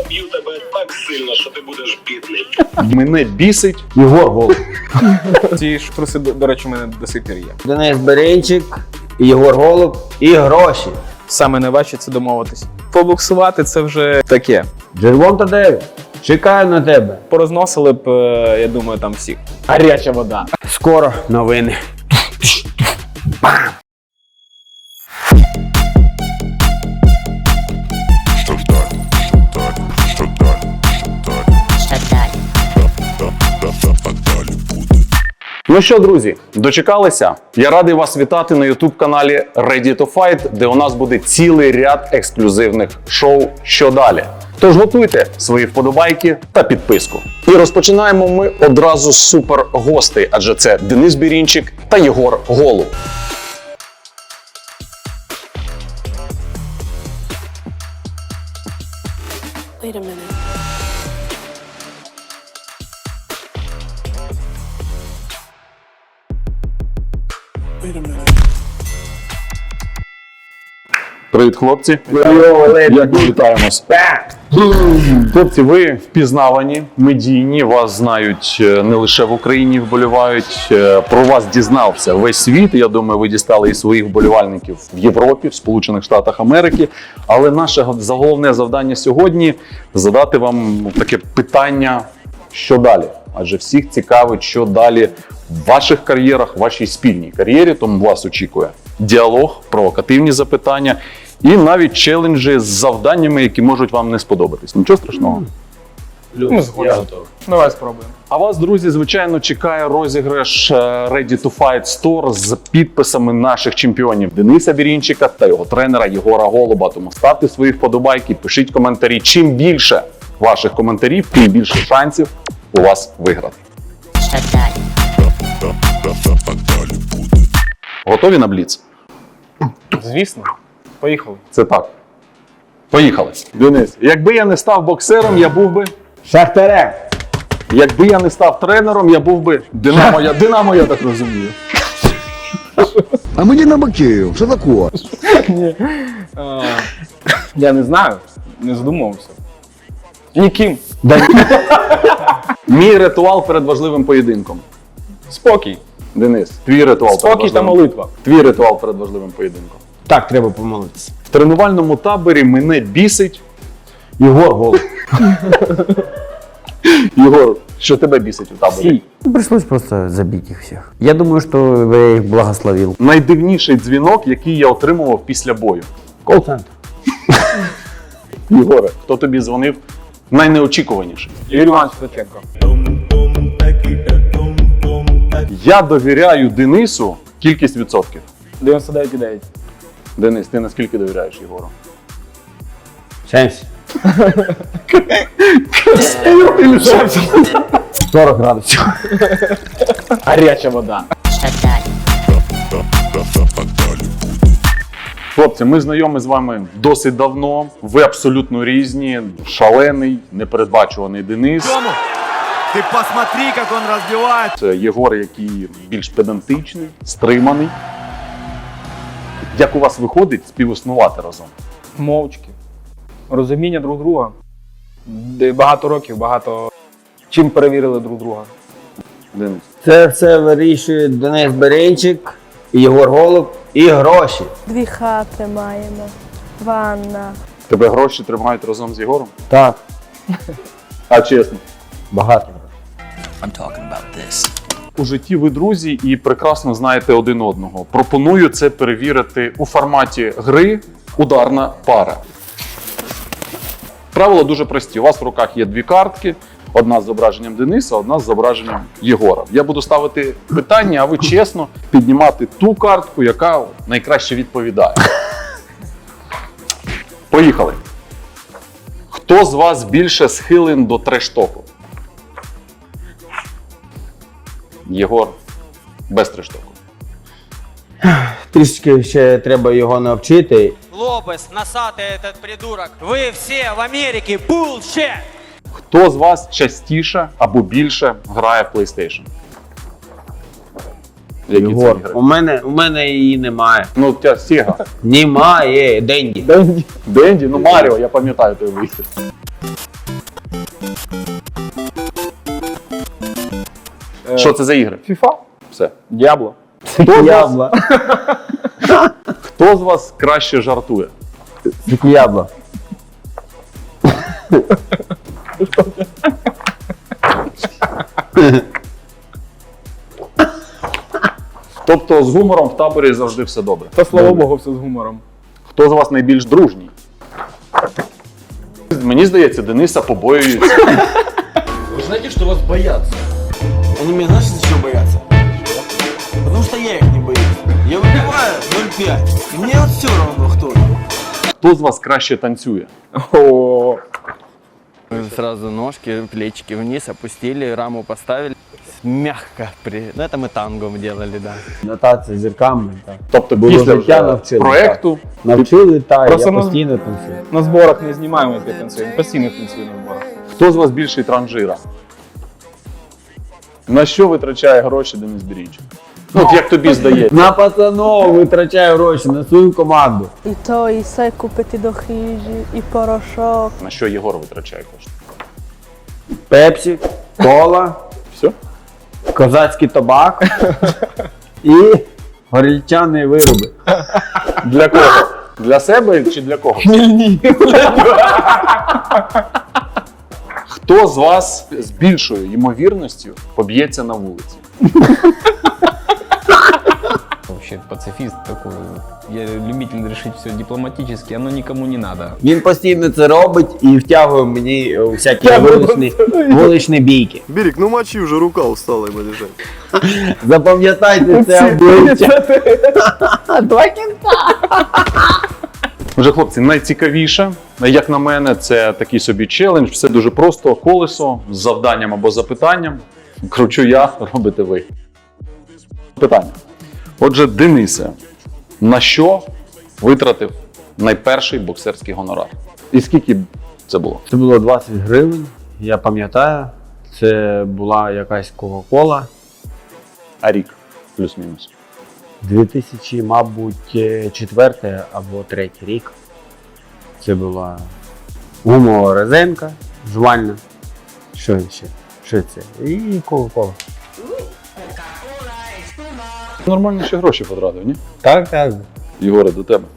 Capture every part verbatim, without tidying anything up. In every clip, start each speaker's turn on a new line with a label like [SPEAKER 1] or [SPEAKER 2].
[SPEAKER 1] поб'ю тебе так сильно, що ти будеш бідний.
[SPEAKER 2] Мене бісить Єгор Голуб.
[SPEAKER 3] Ці ж труси, до, до речі, у мене до сих пір є.
[SPEAKER 4] Денис Берейчик, Єгор Голуб і гроші.
[SPEAKER 3] Саме найважче це домовитись. Побуксувати це вже таке.
[SPEAKER 4] Джервон Тадею, чекаю на тебе.
[SPEAKER 3] Порозносили б, е, я думаю, там всіх. Гаряча вода.
[SPEAKER 4] Скоро новини.
[SPEAKER 5] Що далі? Що далі? Що далі? Що далі буде?
[SPEAKER 2] Ну що, друзі, дочекалися? Я радий вас вітати на ютуб-каналі Ready to Fight, де у нас буде цілий ряд ексклюзивних шоу «Що далі?». Тож готуйте свої вподобайки та підписку. І розпочинаємо ми одразу з супергостей, адже це Денис Бірінчик та Єгор Голуб.
[SPEAKER 6] Wait a minute. Wait a minute.
[SPEAKER 2] Привіт, хлопці. Дякую, вітаємось. Хлопці, ви впізнавані, медійні, вас знають не лише в Україні, вболівають. Про вас дізнався весь світ. Я думаю, ви дістали і своїх вболівальників в Європі, в Сполучених Штатах Америки. Але наше головне завдання сьогодні – задати вам таке питання, що далі? Адже всіх цікавить, що далі в ваших кар'єрах, в вашій спільній кар'єрі, тому вас очікує діалог, провокативні запитання і навіть челенджі з завданнями, які можуть вам не сподобатись. Нічого страшного.
[SPEAKER 3] Ми згодні. Давай спробуємо.
[SPEAKER 2] А вас, друзі, звичайно, чекає розіграш Ready to Fight Store з підписами наших чемпіонів Дениса Бірінчика та його тренера Єгора Голуба. Тому ставте свої вподобайки, пишіть коментарі. Чим більше ваших коментарів, тим більше шансів у вас виграти.
[SPEAKER 5] Що далі? Що далі буде?
[SPEAKER 2] Готові на бліц?
[SPEAKER 3] Звісно. Поїхали.
[SPEAKER 2] Це так. Поїхали. Денис, якби я не став боксером, я був би...
[SPEAKER 4] Шахтарем.
[SPEAKER 2] Якби я не став тренером, я був би Динамо. Я, Динамо, я так розумію.
[SPEAKER 7] А мы Динамо Киев, что такое?
[SPEAKER 3] А, я не знаю, не задумувався. Ніким.
[SPEAKER 2] Мій ритуал перед важливим поєдинком.
[SPEAKER 3] Спокій.
[SPEAKER 2] Денис, твій ритуал перед
[SPEAKER 3] Спокій та
[SPEAKER 2] важливим...
[SPEAKER 3] молитва.
[SPEAKER 2] Твій ритуал перед важливим поєдинком.
[SPEAKER 4] Так, треба помолитися.
[SPEAKER 2] В тренувальному таборі мене бісить
[SPEAKER 4] Єгор Голуб.
[SPEAKER 2] Єгор, що тебе бісить у таборі?
[SPEAKER 3] Всі.
[SPEAKER 4] Пришлось просто забить их всех. Я думаю, что я их благословил.
[SPEAKER 2] Найдивніший дзвінок, який я отримував після бою.
[SPEAKER 4] Колл-центр.
[SPEAKER 2] Єгоре, хто тобі дзвонив найнеочікуваніший?
[SPEAKER 3] Юрій Іванович Ткаченко.
[SPEAKER 2] Я довіряю Денису кількість відсотків.
[SPEAKER 3] дев'яносто дев'ять цілих дев'ять.
[SPEAKER 2] Денис, ти наскільки довіряєш Єгору?
[SPEAKER 4] семьдесят. сорок градусів.
[SPEAKER 3] Гаряча вода.
[SPEAKER 5] Що далі? Що далі буде?
[SPEAKER 2] Хлопці, ми знайомі з вами досить давно. Ви абсолютно різні. Шалений, непередбачуваний Денис.
[SPEAKER 8] Ты посмотри, как он разбивает.
[SPEAKER 2] Це Єгор, який більш педантичний, стриманий. Як у вас виходить співіснувати разом?
[SPEAKER 3] Мовчки. Розуміння друг друга. Де багато років, багато чим перевірили друг друга.
[SPEAKER 2] Денис.
[SPEAKER 4] Це все вирішує Денис Берейчик, Єгор Голуб і гроші.
[SPEAKER 6] Дві хати маємо. Ванна.
[SPEAKER 2] Тебе гроші тримають разом з Єгором?
[SPEAKER 4] Так,
[SPEAKER 2] А чесно?
[SPEAKER 4] багато.
[SPEAKER 2] У житті ви друзі і прекрасно знаєте один одного. Пропоную це перевірити у форматі гри «Ударна пара». Правила дуже прості. У вас в руках є дві картки. Одна з зображенням Дениса, одна з зображенням Єгора. Я буду ставити питання, а ви чесно піднімати ту картку, яка найкраще відповідає. Поїхали. Хто з вас більше схилен до трештоку? Єгор без трештоку.
[SPEAKER 4] Трішки ще треба його навчити.
[SPEAKER 9] Лобес, носатый этот придурок. Вы все в Америке, bullshit!
[SPEAKER 2] Хто з вас частіше або більше грає в PlayStation? Які це
[SPEAKER 4] Єгор,
[SPEAKER 2] ігри?
[SPEAKER 4] у мене, у мене її немає.
[SPEAKER 2] Ну, у тебе Сіга.
[SPEAKER 4] Немає, Денді.
[SPEAKER 2] Денді? Денді? Ну, Маріо, я пам'ятаю той вихід. Що це за ігри?
[SPEAKER 3] FIFA?
[SPEAKER 2] Все.
[SPEAKER 3] Діабло.
[SPEAKER 4] Ябло.
[SPEAKER 2] Хто з вас краще жартує?
[SPEAKER 4] Ябло.
[SPEAKER 2] Тобто з гумором в таборі завжди все добре.
[SPEAKER 3] Та слава Богу, все з гумором.
[SPEAKER 2] Хто з вас найбільш дружній? Мені здається, Дениса побоюється.
[SPEAKER 8] Вы знаете, что вас боятся? Они меня, знаешь, за чего боятся? Потому что я их не боюсь. Я выбиваю ноль пять. И мне вот все равно, кто там.
[SPEAKER 2] Хто з вас краще танцює?
[SPEAKER 3] О,
[SPEAKER 10] Сразу ножки, плечики вниз опустили, раму поставили. Мягко. При... Ну, это мы тангом делали, да.
[SPEAKER 4] Нотація зірками. Так.
[SPEAKER 2] Тобто
[SPEAKER 4] Було
[SPEAKER 2] після
[SPEAKER 4] життя
[SPEAKER 2] вже
[SPEAKER 4] навчили,
[SPEAKER 2] проекту
[SPEAKER 4] Навчили, та
[SPEAKER 3] Просто
[SPEAKER 4] я
[SPEAKER 3] на-
[SPEAKER 4] постійно танцюю.
[SPEAKER 3] на зборах не знімаємо, як я танцюю. Постійно танцюю на зборах.
[SPEAKER 2] хто з вас більший транжира? На що витрачає гроші Денис Берінчик? Ну, от як тобі здається.
[SPEAKER 4] На пацанов витрачаю гроші, на свою команду.
[SPEAKER 6] I to i sve kupiti do hiži, i porošok.
[SPEAKER 2] На що Єгор витрачає кошти?
[SPEAKER 4] Пепсі, кола,
[SPEAKER 2] Все?
[SPEAKER 4] козацький табак і горільчані вироби.
[SPEAKER 2] Для кого? Для себе чи для кого?
[SPEAKER 3] Хмільні.
[SPEAKER 2] Хто з вас з більшою ймовірністю поб'ється на вулиці?
[SPEAKER 11] Вообще пацифист такой. Я любитель решить все дипломатически, оно никому не надо.
[SPEAKER 4] Він постійно це робить і втягує мені е, всякі вуличні, вуличні бійки.
[SPEAKER 8] Берег, ну мочи уже, рука устала ему лежать.
[SPEAKER 4] Запам'ятайте це обличчя.
[SPEAKER 2] Вже, хлопці, найцікавіше, як на мене, це такий собі челендж. Все дуже просто. Колесо з завданням або запитанням. Кручу я, робите ви. Питання. Отже, Денисе, на що витратив найперший боксерський гонорар? І скільки це було?
[SPEAKER 4] Це було двадцять гривень, я пам'ятаю. Це була якась Кока-Кола.
[SPEAKER 2] А рік? Плюс-мінус.
[SPEAKER 4] дві тисячі, мабуть, четвертий або третій рік. Це була гумова резинка, жувальна. Що ще? Що це? І Кока-Кола.
[SPEAKER 2] Нормально ще гроші потратив, ні?
[SPEAKER 4] Так, так.
[SPEAKER 2] Єгоре, до тебе.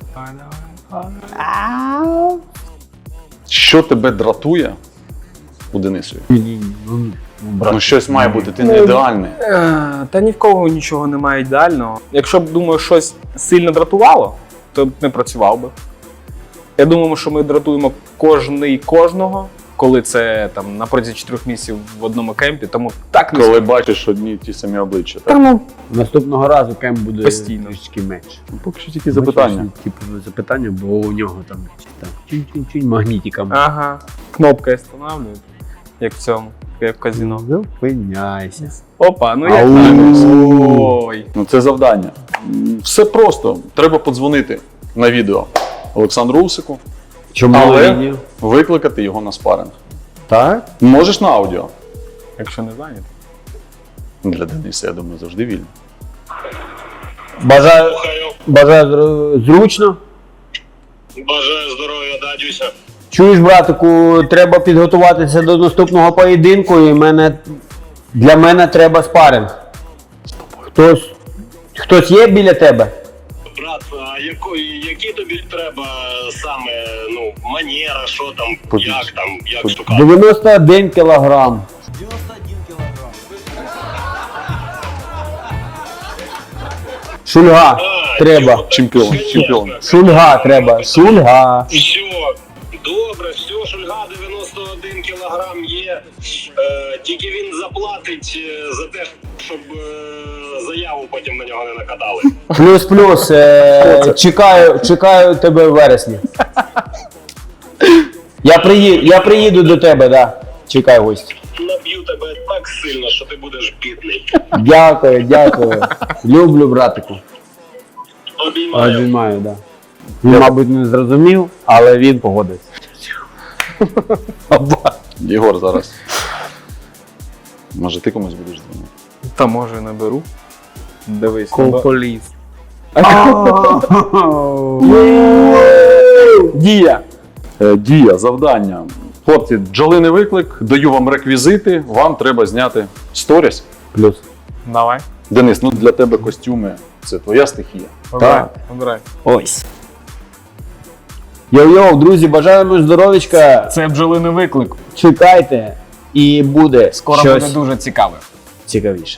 [SPEAKER 2] Що тебе дратує у Денисові? Ну щось має бути, ти не ідеальний.
[SPEAKER 3] Е, Та ні в кого нічого немає ідеального. Якщо б, думаю, щось сильно дратувало, то б не працював би. Я думаю, що ми дратуємо кожний кожного, коли це там на протязі чотирьох місяців в одному кемпі, тому так не
[SPEAKER 2] Коли бачиш одні й ті самі обличчя.
[SPEAKER 3] Та
[SPEAKER 2] Так?
[SPEAKER 3] ну,
[SPEAKER 4] Наступного разу кемп буде
[SPEAKER 3] Постійно.
[SPEAKER 4] трішки менше.
[SPEAKER 2] Поки що тільки запитання.
[SPEAKER 4] Типу запитання, бо у нього там, там чинь-чинь-чинь магнітиком.
[SPEAKER 3] ага, кнопкою встановлюють, як в цьому, як в казино.
[SPEAKER 4] Зупиняйся.
[SPEAKER 3] Опа, ну як
[SPEAKER 4] Ау.
[SPEAKER 3] так? Ой.
[SPEAKER 2] Ну це завдання. М, Все просто. Треба подзвонити на відео Олександру Усику,
[SPEAKER 4] Чому
[SPEAKER 2] але
[SPEAKER 4] ні?
[SPEAKER 2] викликати його на спаринг.
[SPEAKER 4] Так?
[SPEAKER 2] Можеш на аудіо.
[SPEAKER 3] Якщо не зайнято.
[SPEAKER 2] Для Дениса, я думаю, завжди вільно.
[SPEAKER 4] Бажаю,
[SPEAKER 1] Слухаю.
[SPEAKER 4] бажаю зру- зручно.
[SPEAKER 1] Бажаю здоров'я, дадюся.
[SPEAKER 4] Чуєш, братику, треба підготуватися до наступного поєдинку, і мене, для мене треба спаринг. Хтось, хтось є біля тебе?
[SPEAKER 1] Брат, а яко, які тобі треба саме, ну, манера, що там,
[SPEAKER 2] Побіж.
[SPEAKER 1] як там, як штука?
[SPEAKER 4] дев'яносто один кілограм.
[SPEAKER 8] девяносто один килограмм.
[SPEAKER 4] Шульга
[SPEAKER 1] А,
[SPEAKER 4] треба.
[SPEAKER 1] чудо,
[SPEAKER 2] Чемпіон,
[SPEAKER 1] конечно.
[SPEAKER 2] чемпіон.
[SPEAKER 4] Шульга треба. Шульга.
[SPEAKER 1] Все, добре, все, Шульга дев'яносто один кілограм є. Е, тільки він заплатить е, за те, щоб е, заяву потім на нього не накатали.
[SPEAKER 4] Плюс-плюс. Е, чекаю, чекаю тебе в вересні. Я приїду, я приїду до тебе, да. Чекай гості.
[SPEAKER 1] Наб'ю тебе так сильно, що ти будеш бідний.
[SPEAKER 4] Дякую, дякую. Люблю, братику.
[SPEAKER 1] Обіймаю.
[SPEAKER 4] Обіймаю, да. Він, мабуть, не зрозумів, але він погодився.
[SPEAKER 2] Єгор зараз. Може ти комусь будеш дзвонити?
[SPEAKER 3] Та може наберу. Дивись.
[SPEAKER 4] Колполіс.
[SPEAKER 3] Дія.
[SPEAKER 2] Е, Дія, завдання. Хлопці, бджолиний виклик, даю вам реквізити, вам треба зняти сторіс.
[SPEAKER 4] Плюс.
[SPEAKER 3] Давай.
[SPEAKER 2] Денис, ну для тебе костюми – це твоя стихія.
[SPEAKER 3] Обирай. Обирай.
[SPEAKER 4] Ось. Йоу-йоу, друзі, бажаємо здоров'ячка.
[SPEAKER 3] Це бджолиний виклик.
[SPEAKER 4] Чекайте. І буде
[SPEAKER 3] Скоро
[SPEAKER 4] щось
[SPEAKER 3] буде дуже цікаве.
[SPEAKER 4] цікавіше.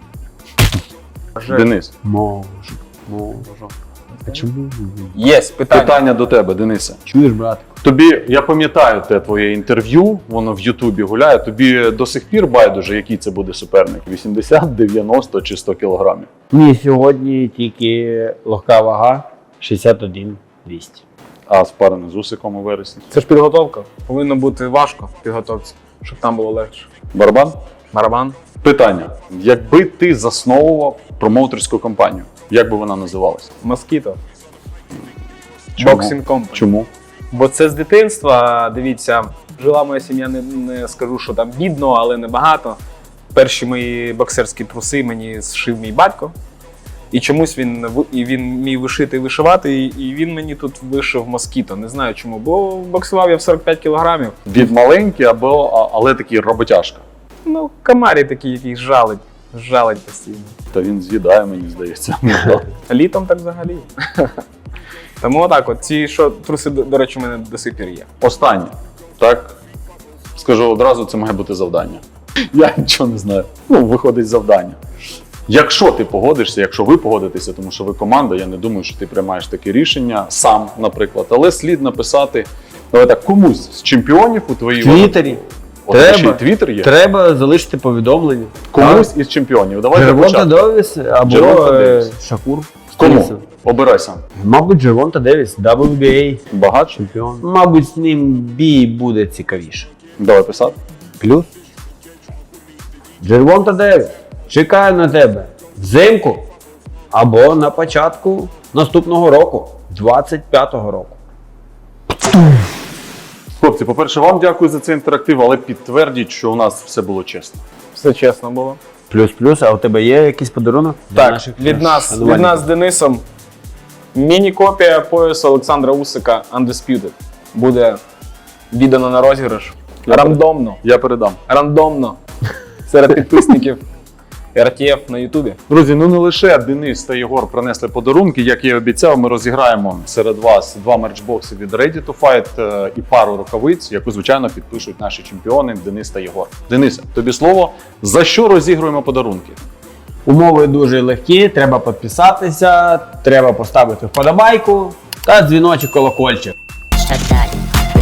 [SPEAKER 2] Денис,
[SPEAKER 4] Можу. Можу. А чому?
[SPEAKER 3] Є питання.
[SPEAKER 2] питання до тебе, Денисе.
[SPEAKER 4] Чуєш, братику?
[SPEAKER 2] Тобі, я пам'ятаю те твоє інтерв'ю, воно в Ютубі гуляє, тобі до сих пір байдуже, який це буде суперник? вісімдесят, дев'яносто чи сто кілограмів?
[SPEAKER 4] Ні, сьогодні тільки легка вага шістдесят один двісті.
[SPEAKER 2] А спарений з Усиком у вересні.
[SPEAKER 3] Це ж підготовка. Повинно бути важко в підготовці, щоб там було легше.
[SPEAKER 2] Барабан?
[SPEAKER 3] Барабан.
[SPEAKER 2] Питання. Якби ти засновував промоутерську компанію, як би вона називалася?
[SPEAKER 3] Москіто.
[SPEAKER 2] Чому?
[SPEAKER 3] Боксінг Company.
[SPEAKER 2] Чому?
[SPEAKER 3] Бо це з дитинства, дивіться, жила моя сім'я, не, не скажу, що там бідно, але небагато. Перші мої боксерські труси мені зшив мій батько. І чомусь він, в- і він міг вишити і вишивати, і- і він мені тут вишив москіто. Не знаю чому, бо боксував я в сорок п'ять кілограмів.
[SPEAKER 2] Від маленький, або, а- але такий роботяжка.
[SPEAKER 3] Ну, комарі такі, який жалить, жалить постійно.
[SPEAKER 2] Та він з'їдає, мені здається.
[SPEAKER 3] Літом так взагалі. Тому отак от, ці що, труси, до, до речі, у мене до сих пір є.
[SPEAKER 2] Останнє. Так? Скажу одразу, це має бути завдання. Я нічого не знаю. Ну, виходить завдання. Якщо ти погодишся, якщо ви погодитеся, тому що ви команда, я не думаю, що ти приймаєш таке рішення сам, наприклад, але слід написати, давай так, комусь з чемпіонів у твоїй
[SPEAKER 4] В Твіттері.
[SPEAKER 2] От, ще й
[SPEAKER 4] Треба.
[SPEAKER 2] Твіттер є.
[SPEAKER 4] Треба залишити повідомлення.
[SPEAKER 2] Комусь із чемпіонів. Давайте
[SPEAKER 4] Джервонта
[SPEAKER 2] почати.
[SPEAKER 4] Девіс або
[SPEAKER 2] Джервонта
[SPEAKER 4] е,
[SPEAKER 2] Девіс.
[SPEAKER 4] Шакур.
[SPEAKER 2] Кому?
[SPEAKER 4] Стілсон.
[SPEAKER 2] Обирай сам.
[SPEAKER 4] Мабуть, Джервонта Девіс, дабл ю бі ей
[SPEAKER 2] Багатше?
[SPEAKER 4] чемпіон. Мабуть, з ним бій буде цікавіше.
[SPEAKER 2] Давай писати.
[SPEAKER 4] Плюс. Джервонта Девіс, чекаю на тебе взимку або на початку наступного року, двадцять п'ятого року.
[SPEAKER 2] Хлопці, по-перше, вам дякую за цей інтерактив, але підтвердіть, що у нас все було чесно.
[SPEAKER 3] Все чесно було.
[SPEAKER 4] Плюс-плюс, а у тебе є якийсь подарунок? для
[SPEAKER 3] Так,
[SPEAKER 4] наших
[SPEAKER 3] від нас, від
[SPEAKER 4] шанувальників?
[SPEAKER 3] нас з Денисом міні-копія поясу Олександра Усика Undisputed. Буде віддано на розіграш.
[SPEAKER 2] Я
[SPEAKER 3] Рандомно.
[SPEAKER 2] Я передам.
[SPEAKER 3] Рандомно. Серед підписників ар ті еф на Ютубі.
[SPEAKER 2] Друзі, ну не лише Денис та Єгор принесли подарунки. Як я і обіцяв, ми розіграємо серед вас два мерчбокси від Ready to Fight е, і пару рукавиць, яку, звичайно, підпишуть наші чемпіони Денис та Єгор. Денисе, тобі слово. За що розігруємо подарунки?
[SPEAKER 4] Умови дуже легкі, треба підписатися, треба поставити вподобайку та дзвіночок колокольчик.
[SPEAKER 5] Що далі?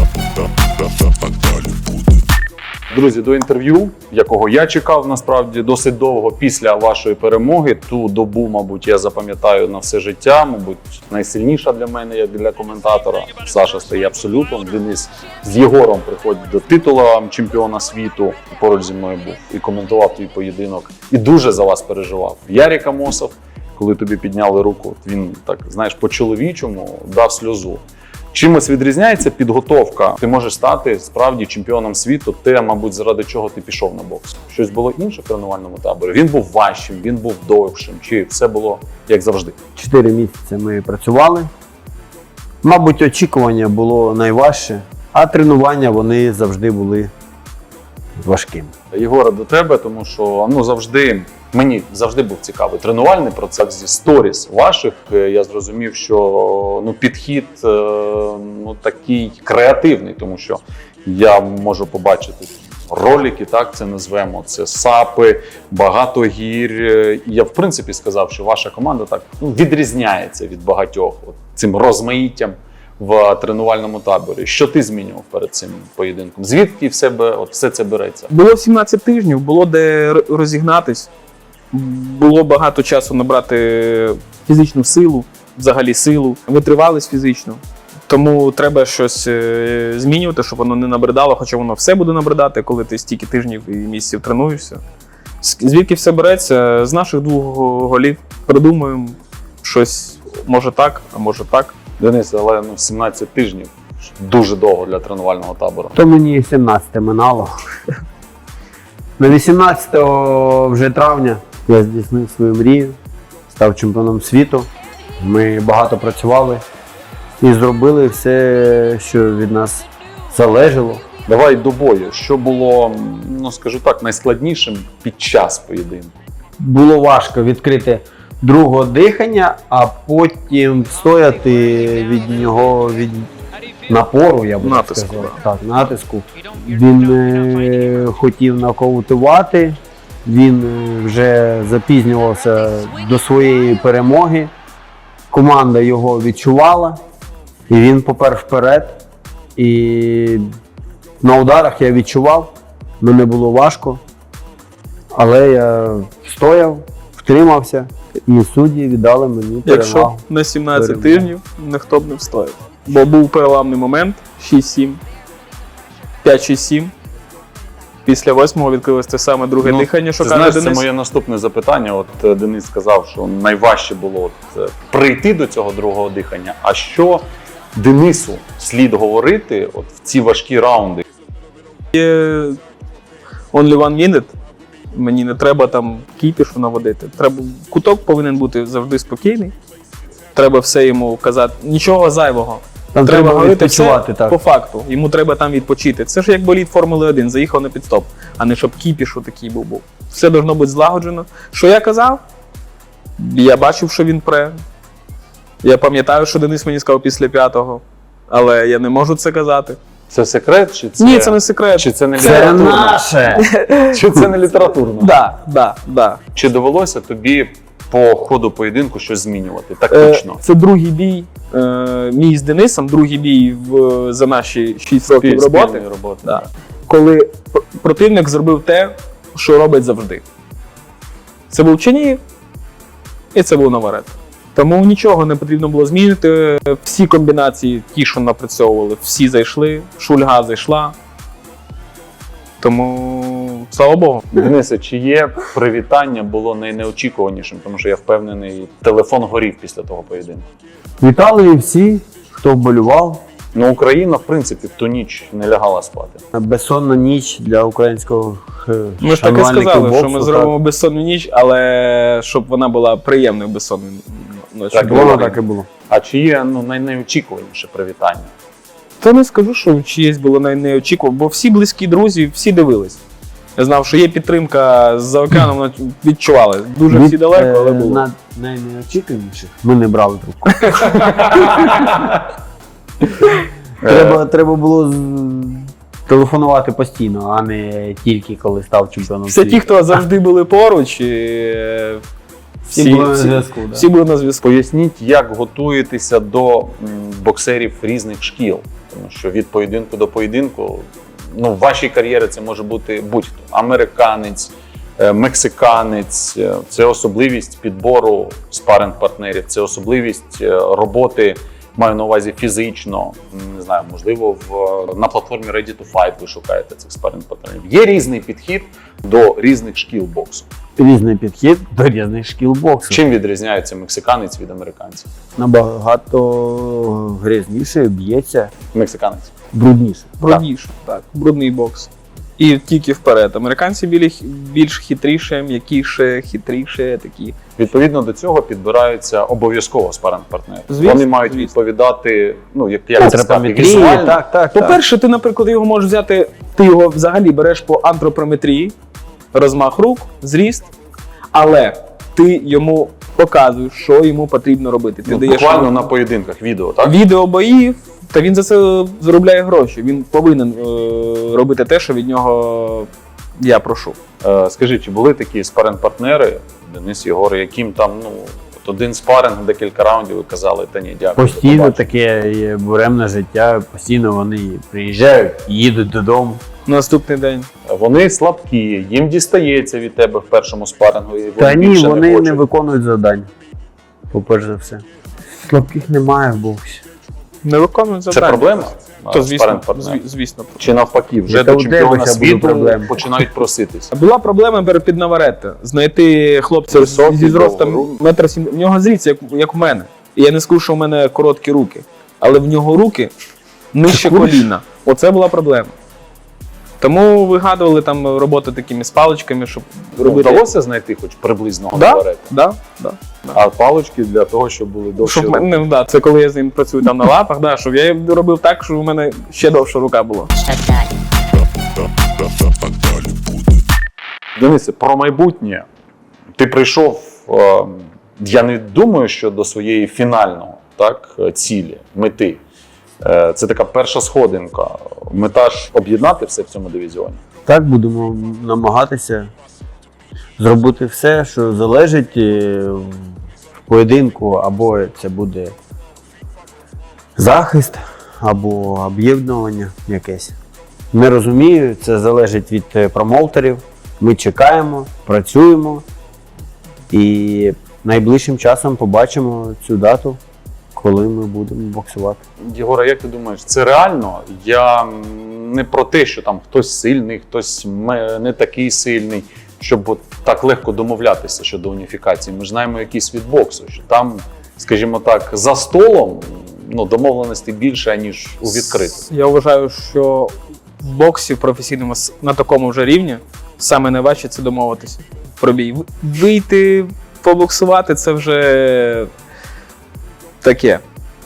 [SPEAKER 2] Друзі, до інтерв'ю, якого я чекав насправді досить довго після вашої перемоги. Ту добу, мабуть, я запам'ятаю на все життя. Мабуть, найсильніша для мене, як для коментатора. Саша стає абсолютом. Денис з Єгором приходить до титула чемпіона світу. Поруч зі мною був і коментував твій поєдинок. І дуже за вас переживав. Ярік Амосов, коли тобі підняли руку, він так, знаєш, по-чоловічому дав сльозу. Чимось відрізняється підготовка. Ти можеш стати справді чемпіоном світу, те, мабуть, заради чого ти пішов на бокс. Щось було інше в тренувальному таборі? Він був важчим, він був довшим, чи все було як завжди?
[SPEAKER 4] Чотири місяці ми працювали. Мабуть, очікування було найважче, а тренування вони завжди були важкими.
[SPEAKER 2] Єгора, до тебе, тому що ну завжди мені завжди був цікавий тренувальний процес зі сторіс ваших. Е, Я зрозумів, що ну підхід е, ну такий креативний, тому що я можу побачити ролики, так це назвемо. Це сапи, багато гір. Е, І я в принципі сказав, що ваша команда так ну, відрізняється від багатьох от, цим розмаїттям в тренувальному таборі. Що ти змінював перед цим поєдинком? Звідки в себе от все це береться?
[SPEAKER 3] Було сімнадцять тижнів, було де р- розігнатись, було багато часу набрати фізичну силу, взагалі силу, витривалість фізично. Тому треба щось е, змінювати, щоб воно не набридало, хоча воно все буде набридати, коли ти стільки тижнів і місяців тренуєшся. З- Звідки все береться? З наших двох голів придумуємо щось, може так, а може так.
[SPEAKER 2] Денис, але ну, сімнадцять тижнів дуже довго для тренувального табору.
[SPEAKER 4] То мені сімнадцяте минало. На вісімнадцятого вже травня я здійснив свою мрію, став чемпіоном світу. Ми багато працювали і зробили все, що від нас залежало.
[SPEAKER 2] Давай до бою. Що було, ну скажу так, найскладнішим під час поєдинку?
[SPEAKER 4] Було важко відкрити другого дихання, а потім стояти від нього, від напору, я би так
[SPEAKER 3] Натиску,
[SPEAKER 4] сказав. Так, натиску. Він е, хотів нокаутувати, він е, вже запізнювався до своєї перемоги. Команда його відчувала, і він попер вперед. І на ударах я відчував, мені було важко, але я стояв, втримався, і судді віддали мені
[SPEAKER 3] Якщо
[SPEAKER 4] перевагу.
[SPEAKER 3] на сімнадцять
[SPEAKER 4] Перемогу.
[SPEAKER 3] тижнів ніхто б не встояв. Бо був переламний момент шість сім, п'ять шість сім. Після восьмого відкрилось те саме друге
[SPEAKER 2] Ну,
[SPEAKER 3] дихання, що
[SPEAKER 2] ти
[SPEAKER 3] каже
[SPEAKER 2] знаєш,
[SPEAKER 3] Денис.
[SPEAKER 2] це моє наступне запитання. От е, Денис сказав, що найважче було от, е, прийти до цього другого дихання. А що Денису слід говорити от в ці важкі раунди?
[SPEAKER 3] Є only one minute. Мені не треба там кіпішу наводити. Треба, куток повинен бути завжди спокійний. Треба все йому казати. Нічого зайвого.
[SPEAKER 4] Там
[SPEAKER 3] треба
[SPEAKER 4] треба
[SPEAKER 3] говорити
[SPEAKER 4] відпочивати,
[SPEAKER 3] все
[SPEAKER 4] так.
[SPEAKER 3] по факту. Йому треба там відпочити. Це ж як болід Формули один, заїхав на підстоп, а не щоб кіпішу такий був був. Все должно бути злагоджено. Що я казав? Я бачив, що він пре. Я пам'ятаю, що Денис мені сказав після п'ятого, але я не можу це казати.
[SPEAKER 2] Це секрет? Чи це,
[SPEAKER 3] Ні, це не секрет.
[SPEAKER 2] Чи це не
[SPEAKER 4] Це
[SPEAKER 2] літературно?
[SPEAKER 4] наше!
[SPEAKER 2] Чи це не літературно?
[SPEAKER 3] Да, да, да.
[SPEAKER 2] Чи довелося тобі по ходу поєдинку щось змінювати?
[SPEAKER 3] Е,
[SPEAKER 2] Тактично?
[SPEAKER 3] Це другий бій е, мій з Денисом, другий бій в, за наші шість років
[SPEAKER 2] Спіль-
[SPEAKER 3] роботи.
[SPEAKER 2] спільної роботи.
[SPEAKER 3] Да. Коли пр- противник зробив те, що робить завжди. Це був Чернігів і це був Наварет. Тому нічого не потрібно було змінити. Всі комбінації, ті, що напрацьовували, всі зайшли, Шульга зайшла. Тому, слава Богу.
[SPEAKER 2] Денисе, чиє привітання було найнеочікуванішим? Тому що я впевнений, телефон горів після того поєдинку.
[SPEAKER 4] Вітали всі, хто вболівав.
[SPEAKER 2] Ну, Україна, в принципі, в ту ніч не лягала спати.
[SPEAKER 4] Безсонна ніч для українського е,
[SPEAKER 3] Ми ж так і
[SPEAKER 4] шанувальників
[SPEAKER 3] сказали,
[SPEAKER 4] боксу,
[SPEAKER 3] що ми
[SPEAKER 4] так.
[SPEAKER 3] зробимо безсонну ніч, але щоб вона була приємною безсонною ночі.
[SPEAKER 2] Так,
[SPEAKER 4] Воно
[SPEAKER 2] Говоримо.
[SPEAKER 4] так і було.
[SPEAKER 2] А чиє ну, найнеочікуваніше привітання?
[SPEAKER 3] Та не скажу, що чиєсь було най- неочікувано, бо всі близькі друзі, всі дивились. Я знав, що є підтримка з-за океану, вона відчували. Дуже всі
[SPEAKER 4] Від,
[SPEAKER 3] далеко, але
[SPEAKER 4] е,
[SPEAKER 3] було.
[SPEAKER 4] На найнеочікуваніших ми не брали трубку. треба, треба було з- телефонувати постійно, а не тільки коли став чемпіоном
[SPEAKER 3] Все
[SPEAKER 4] світу.
[SPEAKER 3] ті, хто завжди були поруч, і, е,
[SPEAKER 4] Всі були на зв'язку, да.
[SPEAKER 3] всі були на зв'язку.
[SPEAKER 2] Поясніть, як готуєтеся до м, боксерів різних шкіл. Тому що від поєдинку до поєдинку, ну, в вашій кар'єрі це може бути будь-хто. Американець, е, мексиканець, е, це особливість підбору спаринг-партнерів, це особливість е, роботи, маю на увазі фізично, м, не знаю, можливо, в, на платформі Ready to Fight ви шукаєте цих спаринг-партнерів. Є різний підхід до різних шкіл боксу.
[SPEAKER 4] Різний підхід до різних шкіл боксу.
[SPEAKER 2] Чим відрізняється мексиканець від американця?
[SPEAKER 4] Набагато грязніше, б'ється,
[SPEAKER 2] Мексиканець.
[SPEAKER 4] брудніше.
[SPEAKER 3] Брудніше, так. Брудний бокс. І тільки вперед. Американці більш, більш хитріше, м'якіше, хитріше, такі.
[SPEAKER 2] Відповідно до цього підбираються обов'язково спаринг-партнери.
[SPEAKER 3] Звісно,
[SPEAKER 2] Вони мають
[SPEAKER 3] звісно.
[SPEAKER 2] відповідати, ну як, як це сказати,
[SPEAKER 4] Антропометрії,
[SPEAKER 2] візуально.
[SPEAKER 4] так, так, так.
[SPEAKER 3] По-перше, ти, наприклад, його можеш взяти, ти його взагалі береш по антропометрії, розмах рук, зріст, але ти йому показуєш, що йому потрібно робити. Ти
[SPEAKER 2] Ну,
[SPEAKER 3] даєш
[SPEAKER 2] буквально
[SPEAKER 3] йому
[SPEAKER 2] на поєдинках відео, так?
[SPEAKER 3] відео боїв, та він за це заробляє гроші. Він повинен е, робити те, що від нього я прошу.
[SPEAKER 2] Е, скажи, чи були такі спаринг-партнери, Денис Єгор, яким там, ну, от один спаринг, декілька раундів, ви казали, та ні, дякую. до
[SPEAKER 4] Постійно
[SPEAKER 2] побачення.
[SPEAKER 4] таке є буремне життя, постійно вони приїжджають, їдуть додому.
[SPEAKER 3] Наступний день.
[SPEAKER 2] Вони слабкі, їм дістається від тебе в першому спарингу. І вони
[SPEAKER 4] Та ні,
[SPEAKER 2] більше
[SPEAKER 4] вони
[SPEAKER 2] не,
[SPEAKER 4] не
[SPEAKER 2] хочуть.
[SPEAKER 4] виконують завдань. По-перше за все. Слабких немає в боксі.
[SPEAKER 3] Не виконують
[SPEAKER 2] Це
[SPEAKER 3] завдання.
[SPEAKER 2] проблема?
[SPEAKER 3] То, звісно,
[SPEAKER 2] спаринг-партнерів?
[SPEAKER 3] зві- звісно.
[SPEAKER 2] Чи навпаки, вже
[SPEAKER 4] Яка
[SPEAKER 2] до
[SPEAKER 4] у
[SPEAKER 2] чемпіона
[SPEAKER 4] тебе ця буде
[SPEAKER 2] світу
[SPEAKER 4] проблема?
[SPEAKER 2] починають проситись?
[SPEAKER 3] Була проблема перед під Наваретто. Знайти хлопця
[SPEAKER 2] Високий,
[SPEAKER 3] зі зростом
[SPEAKER 2] довгорукий.
[SPEAKER 3] метр сім. В нього зріст, як, як у мене. І я не скажу, що в мене короткі руки. Але в нього руки нижче коліна. Оце була проблема. Тому вигадували там роботи такими з паличками, щоб
[SPEAKER 2] Ну,
[SPEAKER 3] робити.
[SPEAKER 2] вдалося знайти хоч приблизного
[SPEAKER 3] Да,
[SPEAKER 2] Наваретто?
[SPEAKER 3] да, да.
[SPEAKER 2] А палички для того, щоб були довші
[SPEAKER 3] Щоб
[SPEAKER 2] руки.
[SPEAKER 3] мене, ну, да, це коли я з ним працюю там на лапах, да, щоб я робив так, щоб у мене ще довша рука була.
[SPEAKER 5] Shut that.
[SPEAKER 2] Денисе, про майбутнє. Ти прийшов, е, я не думаю, що до своєї фінального так, цілі, мети. Е, це така перша сходинка. Мета ж об'єднати все в цьому дивізіоні.
[SPEAKER 4] Так, будемо намагатися зробити все, що залежить е, в поєдинку, або це буде захист, або об'єднування якесь. Не розумію, це залежить від е, промоутерів. Ми чекаємо, працюємо і найближчим часом побачимо цю дату, коли ми будемо боксувати.
[SPEAKER 2] Єгора, як ти думаєш, це реально? Я не про те, що там хтось сильний, хтось не такий сильний, щоб от так легко домовлятися щодо уніфікації. Ми ж знаємо якийсь від боксу, що там, скажімо так, за столом ну, домовленості більше, ніж у відкритому.
[SPEAKER 3] Я вважаю, що в боксі в професійному с- на такому вже рівні саме найважче це домовитися про бій. В- Вийти, побоксувати це вже таке.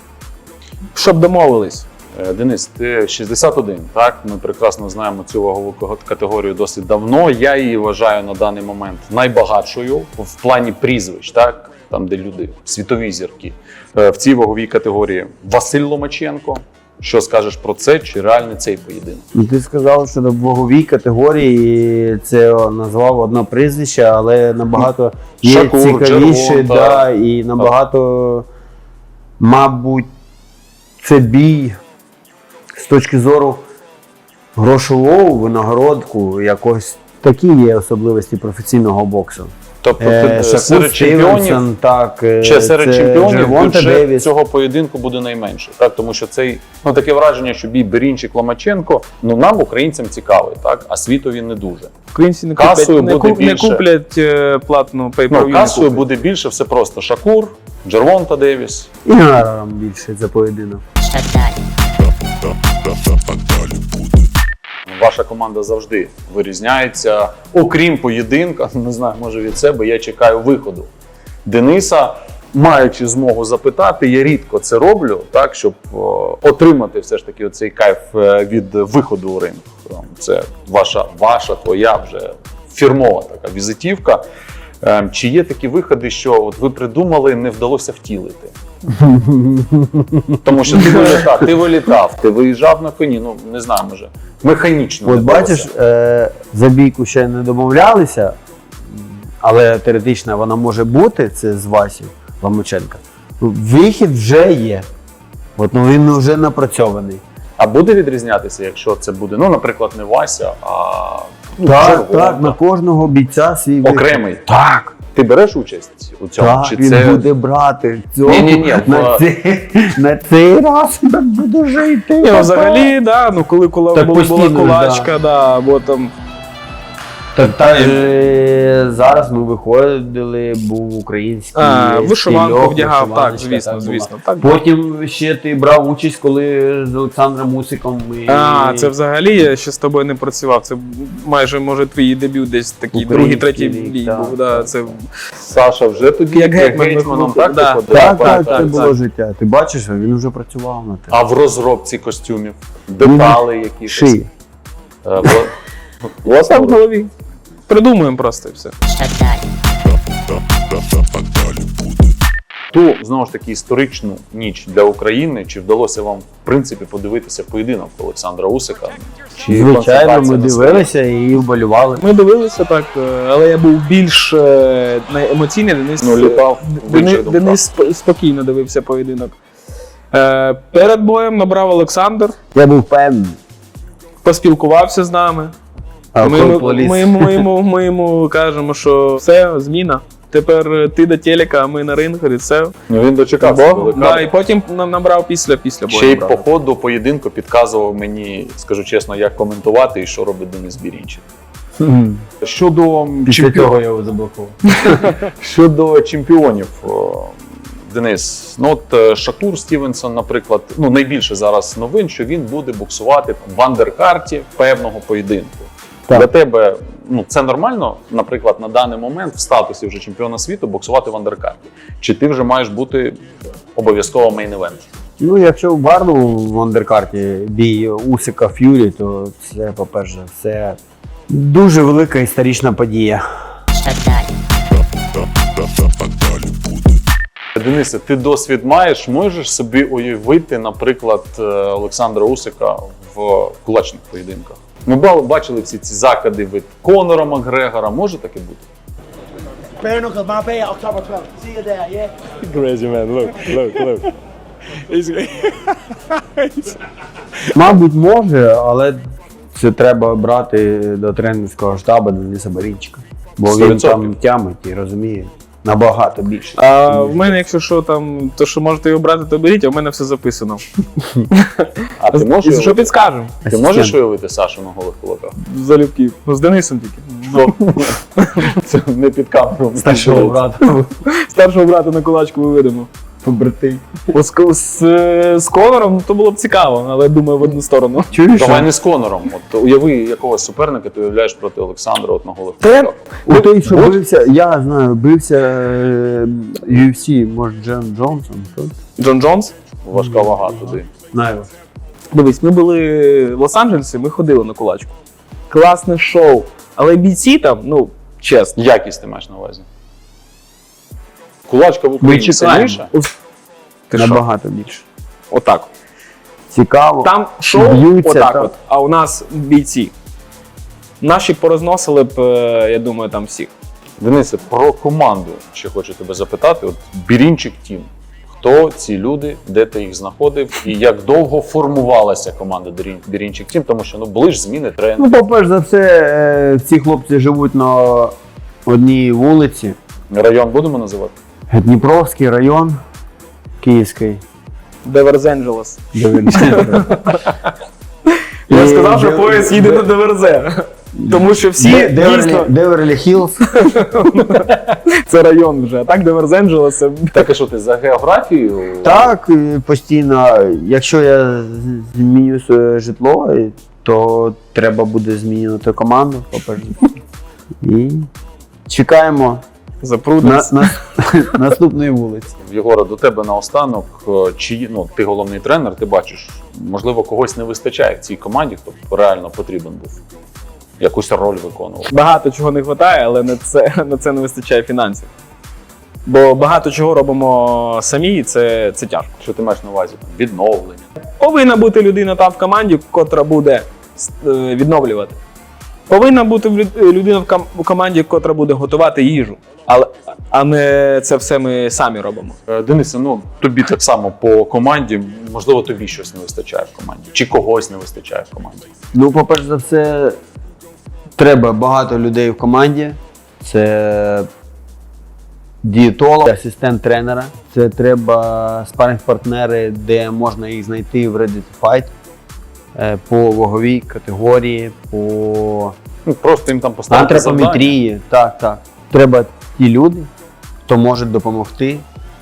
[SPEAKER 3] Щоб домовились.
[SPEAKER 2] Е, Денис, ти шістдесят один, так? Ми прекрасно знаємо цю вагову категорію досить давно. Я її вважаю на даний момент найбагатшою в плані прізвищ, так? Там, де люди, світові зірки. Е, В цій ваговій категорії Василь Ломаченко. Що скажеш про це? Чи реальний цей поєдинок?
[SPEAKER 4] Ну, ти сказав, що в ваговій категорії це назвав одне прізвище, але набагато є
[SPEAKER 2] Шакур,
[SPEAKER 4] цікавіше,
[SPEAKER 2] Джервон,
[SPEAKER 4] да,
[SPEAKER 2] так.
[SPEAKER 4] і набагато, мабуть, це бій з точки зору грошового винагородку, якось такі є особливості професійного боксу.
[SPEAKER 2] Тобто
[SPEAKER 4] Е,
[SPEAKER 2] ти,
[SPEAKER 4] Шакур,
[SPEAKER 2] серед чемпіонів,
[SPEAKER 4] Стівенсон, так, е,
[SPEAKER 2] чи серед
[SPEAKER 4] це
[SPEAKER 2] чемпіонів
[SPEAKER 4] Джервонта
[SPEAKER 2] бюджет
[SPEAKER 4] Девіс.
[SPEAKER 2] цього поєдинку буде найменший, так? Тому що цей, ну таке враження, що бій Берінчик Ломаченко, ну нам, українцям, цікавий, так? А світові не дуже.
[SPEAKER 3] Українці не
[SPEAKER 2] Касою
[SPEAKER 3] куплять, не,
[SPEAKER 2] буде
[SPEAKER 3] куп- не
[SPEAKER 2] більше.
[SPEAKER 3] куплять е, платну
[SPEAKER 2] Ну,
[SPEAKER 3] pay-per-view. не
[SPEAKER 2] касою
[SPEAKER 3] куплять.
[SPEAKER 2] буде більше, все просто. Шакур, Джервонта Девіс.
[SPEAKER 4] І гонораром більше за поєдинок.
[SPEAKER 2] Ваша команда завжди вирізняється. Окрім поєдинка, не знаю, може від себе, я чекаю виходу Дениса. Маючи змогу запитати, я рідко це роблю, так, щоб о, отримати все ж таки оцей кайф е, від виходу у ринг. Це ваша, ваша, твоя вже фірмова така візитівка. Е, Чи є такі виходи, що от ви придумали, не вдалося втілити? Тому що ти вилітав, ти вилітав, ти виїжджав на коні, ну не знаю, може, механічно.
[SPEAKER 4] От
[SPEAKER 2] не вдалося.
[SPEAKER 4] бачиш, е, за бійку ще не домовлялися, але теоретично вона може бути, це з Васі Ломаченка. Вихід вже є. От, ну, він вже напрацьований.
[SPEAKER 2] А буде відрізнятися, якщо це буде, ну, наприклад, не Вася, а ну,
[SPEAKER 4] Так,
[SPEAKER 2] Джервонта,
[SPEAKER 4] так, на кожного бійця свій вихід.
[SPEAKER 2] окремий.
[SPEAKER 4] Так.
[SPEAKER 2] Ти береш участь у цьому?
[SPEAKER 4] Так,
[SPEAKER 2] Чи
[SPEAKER 4] він
[SPEAKER 2] це
[SPEAKER 4] буде брати цього.
[SPEAKER 2] Ні-ні-ні,
[SPEAKER 4] на,
[SPEAKER 2] в-
[SPEAKER 4] цей, на цей раз він буде жити.
[SPEAKER 3] Ні, ну, взагалі, да, ну коли кула,
[SPEAKER 4] Так
[SPEAKER 3] була, була
[SPEAKER 4] постійно,
[SPEAKER 3] кулачка, да, або там.
[SPEAKER 4] Так, так е, зараз ми виходили, був український
[SPEAKER 3] А, вишиванку
[SPEAKER 4] стильок,
[SPEAKER 3] вдягав, так,
[SPEAKER 4] вишиваночка,
[SPEAKER 3] звісно,
[SPEAKER 4] так, була.
[SPEAKER 3] звісно. Так,
[SPEAKER 4] Потім ще ти брав участь, коли з Олександром Мусиком ми...
[SPEAKER 3] А, це взагалі я ще з тобою не працював. Це майже, може, твій дебют десь такий другий,
[SPEAKER 4] Український
[SPEAKER 3] третій
[SPEAKER 4] рік,
[SPEAKER 3] бій
[SPEAKER 4] так,
[SPEAKER 3] був. Да,
[SPEAKER 4] так,
[SPEAKER 3] це...
[SPEAKER 2] Саша вже тоді
[SPEAKER 3] Як гетьман
[SPEAKER 2] гетьманом,
[SPEAKER 3] виходив,
[SPEAKER 2] так,
[SPEAKER 3] да.
[SPEAKER 2] виходив?
[SPEAKER 4] Так, так,
[SPEAKER 3] так,
[SPEAKER 4] це
[SPEAKER 3] так,
[SPEAKER 4] було
[SPEAKER 3] так.
[SPEAKER 4] життя. Ти бачиш, він вже працював на те.
[SPEAKER 2] А в розробці костюмів, деталі якісь.
[SPEAKER 4] Шиї.
[SPEAKER 2] Е, вла- Власне,
[SPEAKER 3] Там в голові. Придумуємо просто і все.
[SPEAKER 2] ту, знову ж таки, історичну ніч для України, чи вдалося вам, в принципі, подивитися поєдинок Олександра Усика? Чи
[SPEAKER 4] Звичайно,
[SPEAKER 2] концентрація
[SPEAKER 4] ми
[SPEAKER 2] на
[SPEAKER 4] дивилися і вболівали.
[SPEAKER 3] Ми дивилися так, е, але я був більш е, не- емоційний. Денис,
[SPEAKER 2] Ну, літав в
[SPEAKER 3] Дени-
[SPEAKER 2] інших думках.
[SPEAKER 3] Денис сп- спокійно дивився поєдинок. Е, Перед боєм набрав Олександр,
[SPEAKER 4] Я був певний.
[SPEAKER 3] поспілкувався з нами.
[SPEAKER 4] А
[SPEAKER 3] Ми,
[SPEAKER 4] коли
[SPEAKER 3] йому-
[SPEAKER 4] поліз-
[SPEAKER 3] ми, йому- ми, йому, ми йому кажемо, що все, зміна. Тепер ти до телека, а ми на ринг, і все.
[SPEAKER 2] Ну, він дочекався.
[SPEAKER 3] Бо,
[SPEAKER 2] велика.
[SPEAKER 3] да, і потім нам набрав після, після бою.
[SPEAKER 2] Ще й
[SPEAKER 3] набрав.
[SPEAKER 2] по ходу поєдинку підказував мені, скажу чесно, як коментувати і що робить Денис Бірінчик. Щодо
[SPEAKER 4] Після
[SPEAKER 2] чемпіонів,
[SPEAKER 4] цього я його заблокував.
[SPEAKER 2] щодо чемпіонів, о, Денис, ну от е, Шакур Стівенсон, наприклад, ну найбільше зараз новин, що він буде боксувати там, в андеркарті певного поєдинку.
[SPEAKER 4] Так.
[SPEAKER 2] Для тебе ну, це нормально, наприклад, на даний момент в статусі вже чемпіона світу боксувати в андеркарті? Чи ти вже маєш бути обов'язково мейн-евент?
[SPEAKER 4] Ну, якщо в гарному в андеркарті бій Усика Ф'юрі, то це, по-перше, все дуже велика історична подія.
[SPEAKER 5] Що далі?
[SPEAKER 2] Денисе, ти досвід маєш, можеш собі уявити, наприклад, Олександра Усика в кулачних поєдинках? Ми ба- бачили всі ці закиди від Конора Макгрегора, може таке бути?
[SPEAKER 4] Мабуть, може, але це треба брати до тренерського штабу Дениса Барінчика. Бо
[SPEAKER 2] сто
[SPEAKER 4] він
[SPEAKER 2] відсотків.
[SPEAKER 4] там тямить і розуміє набагато більше.
[SPEAKER 3] А в мене, якщо що там, то що можете його брати, то беріть, а в мене все записано.
[SPEAKER 2] А ти
[SPEAKER 3] І
[SPEAKER 2] можеш,
[SPEAKER 3] що підскажемо?
[SPEAKER 2] ти можеш уявити Сашу на голих кулаках?
[SPEAKER 3] Залюбки. Ну, з Денисом тільки.
[SPEAKER 2] Це не під камеру.
[SPEAKER 4] Старшого брата.
[SPEAKER 3] Старшого брата на кулачку виведемо.
[SPEAKER 4] Побрати.
[SPEAKER 3] З, з, з Конором то було б цікаво, але думаю в одну сторону.
[SPEAKER 4] Чуєш?
[SPEAKER 2] Давай не з Конором. От уяви якогось суперника, ти уявляєш проти Олександра от на голих
[SPEAKER 4] Та я-
[SPEAKER 2] кулаках.
[SPEAKER 4] У той, що бився, я знаю, бився е, ю еф сі, може Джон Джонсон, що?
[SPEAKER 3] Джон Джонс.
[SPEAKER 2] Важка вага туди.
[SPEAKER 4] Знаю.
[SPEAKER 3] Дивись, ми були в Лос-Анджелесі, ми ходили на кулачку. Класне шоу. Але бійці там, ну, чесно.
[SPEAKER 2] Якість ти маєш на увазі? Кулачка в
[SPEAKER 4] Ми
[SPEAKER 2] Україні
[SPEAKER 4] чекаємо.
[SPEAKER 2] сильніша?
[SPEAKER 3] Ти що?
[SPEAKER 4] Набагато більше.
[SPEAKER 3] Отак.
[SPEAKER 4] Цікаво.
[SPEAKER 3] Там шоу
[SPEAKER 4] Б'ються,
[SPEAKER 3] отак
[SPEAKER 4] так.
[SPEAKER 3] от, а у нас бійці. Наші порозносили б, е, я думаю, там всіх.
[SPEAKER 2] Денисе, про команду ще хочу тебе запитати. От Бірінчик Тім. Хто ці люди, де ти їх знаходив і як довго формувалася команда Бірін- Бірінчик Тім? Тому що ну, були ж зміни тренерів.
[SPEAKER 4] Ну, по-перше за все, е, ці хлопці живуть на одній вулиці.
[SPEAKER 2] Район будемо називати?
[SPEAKER 4] Дніпровський район, Київський.
[SPEAKER 3] Деверз-Енджелес.
[SPEAKER 4] де він-
[SPEAKER 3] Я
[SPEAKER 4] І
[SPEAKER 3] сказав, що
[SPEAKER 4] Де-
[SPEAKER 3] поїзд їде
[SPEAKER 4] Де-
[SPEAKER 3] на Деверзе. Тому що всі
[SPEAKER 4] Де- Деверлі-
[SPEAKER 3] дійсно
[SPEAKER 4] Деверлі Хіллз.
[SPEAKER 3] це район вже. А так Деверз-Енджелес це
[SPEAKER 2] Так і що ти за географією?
[SPEAKER 4] Так, і постійно. Якщо я з- зміню своє житло, і- то треба буде змінювати команду, по-перше. І чекаємо на,
[SPEAKER 3] запруднець.
[SPEAKER 4] на, наступної вулиці.
[SPEAKER 2] Єгора, до тебе наостанок. Е, Чи ну ти головний тренер, ти бачиш, можливо, когось не вистачає в цій команді, хто б реально потрібен був. Якусь роль виконував.
[SPEAKER 3] Багато чого не вистачає, але на це, на це не вистачає фінансів. Бо багато чого робимо самі, і це, це тяжко.
[SPEAKER 2] Що ти маєш на увазі? Там, відновлення.
[SPEAKER 3] Повинна бути людина там в команді, котра буде е, відновлювати. Повинна бути в люд- людина в ком- в команді, котра буде готувати їжу. Але, а не це все ми самі робимо.
[SPEAKER 2] Е, Денисе, ну тобі так само по команді, можливо, тобі щось не вистачає в команді, чи когось не вистачає в команді.
[SPEAKER 4] Ну, по-перше за все, треба багато людей в команді. Це дієтолог, асистент тренера. Це треба спаринг-партнери, де можна їх знайти в Ready to Fight. Е, По ваговій категорії, по
[SPEAKER 2] Ну просто їм там поставити завдання.
[SPEAKER 4] антропометрії. Так, так. Треба ті люди, хто може допомогти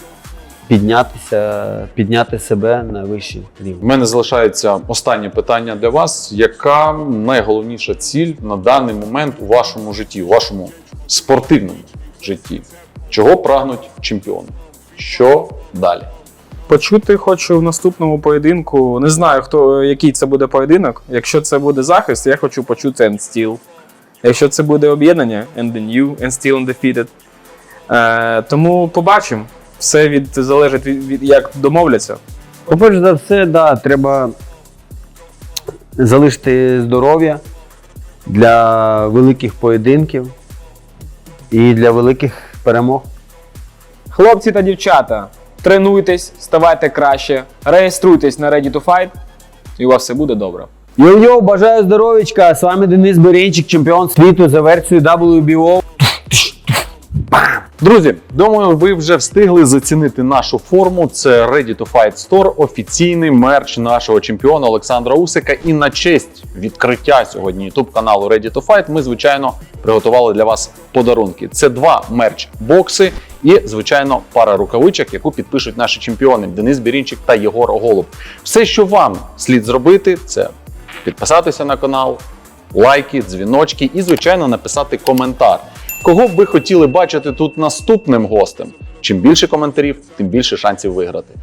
[SPEAKER 4] піднятися, підняти себе на вищий
[SPEAKER 2] У
[SPEAKER 4] рівень.
[SPEAKER 2] мене залишається останнє питання для вас. Яка найголовніша ціль на даний момент у вашому житті, у вашому спортивному житті? Чого прагнуть чемпіони? Що далі?
[SPEAKER 3] Почути хочу в наступному поєдинку. Не знаю, хто, який це буде поєдинок. Якщо це буде захист, я хочу почути End Steel. Якщо це буде об'єднання, End the New, End Steel Undefeated. Е, тому побачимо. Все від, залежить від, від як домовляться.
[SPEAKER 4] По-перше за все, да, треба залишити здоров'я для великих поєдинків і для великих перемог.
[SPEAKER 3] Хлопці та дівчата, тренуйтесь, ставайте краще, реєструйтесь на Ready to Fight, і у вас все буде добре.
[SPEAKER 4] Йо-йо, бажаю здоров'ячка! З вами Денис Беренчик, чемпіон світу за версією дабл ю бі о.
[SPEAKER 2] Друзі, думаю, ви вже встигли зацінити нашу форму. Це Ready to Fight Store, офіційний мерч нашого чемпіона Олександра Усика. І на честь відкриття сьогодні YouTube каналу Ready to Fight ми, звичайно, приготували для вас подарунки. Це два мерч-бокси і, звичайно, пара рукавичок, яку підпишуть наші чемпіони Денис Бірінчик та Єгор Голуб. Все, що вам слід зробити, це підписатися на канал, лайки, дзвіночки і, звичайно, написати коментар. Кого б ви хотіли бачити тут наступним гостем? Чим більше коментарів, тим більше шансів виграти.